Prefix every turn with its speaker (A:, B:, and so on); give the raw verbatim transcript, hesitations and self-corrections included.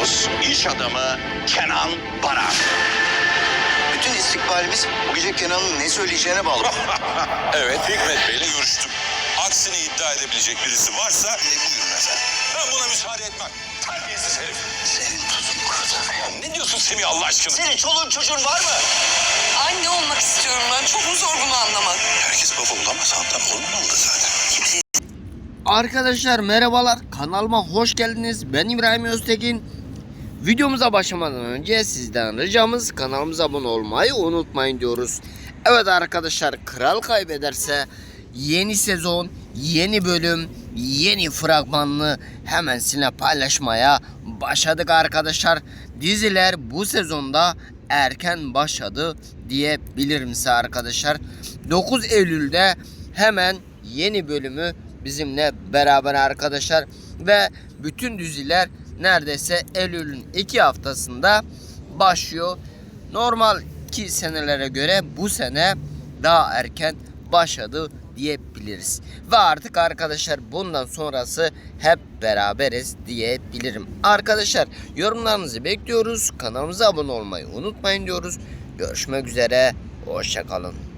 A: Konuğumuz iş adamı Kenan Baran.
B: Bütün istikbalimiz bu gece Kenan'ın ne söyleyeceğine bağlı.
C: Evet, Hikmet Bey'le görüştüm. Aksini iddia edebilecek birisi varsa...
B: Ne buyurun efendim?
C: Ben buna müsaade etmem. Terbiyesiz herif.
B: Senin tuzun kurudu.
C: Ya ne diyorsun Semih Allah aşkına?
B: Senin çoluğun çocuğun var mı?
D: Anne olmak istiyorum ben. Çok mu zor bunu anlamak?
C: Herkes baba olamaz. Hatta olmamalı zaten.
B: Kimse
E: Arkadaşlar merhabalar, kanalıma hoş geldiniz. Ben İbrahim Öztekin. Videomuza başlamadan önce sizden ricamız kanalımıza abone olmayı unutmayın diyoruz. Evet arkadaşlar, Kral Kaybederse yeni sezon, yeni bölüm, yeni fragmanını hemen sizinle paylaşmaya başladık arkadaşlar. Diziler bu sezonda erken başladı diyebilirim size arkadaşlar. dokuz Eylül'de hemen yeni bölümü bizimle beraber arkadaşlar ve bütün diziler neredeyse Eylül'ün iki haftasında başlıyor. Normalki senelere göre bu sene daha erken başladı diyebiliriz. Ve artık arkadaşlar bundan sonrası hep beraberiz diyebilirim. Arkadaşlar yorumlarınızı bekliyoruz. Kanalımıza abone olmayı unutmayın diyoruz. Görüşmek üzere. Hoşça kalın.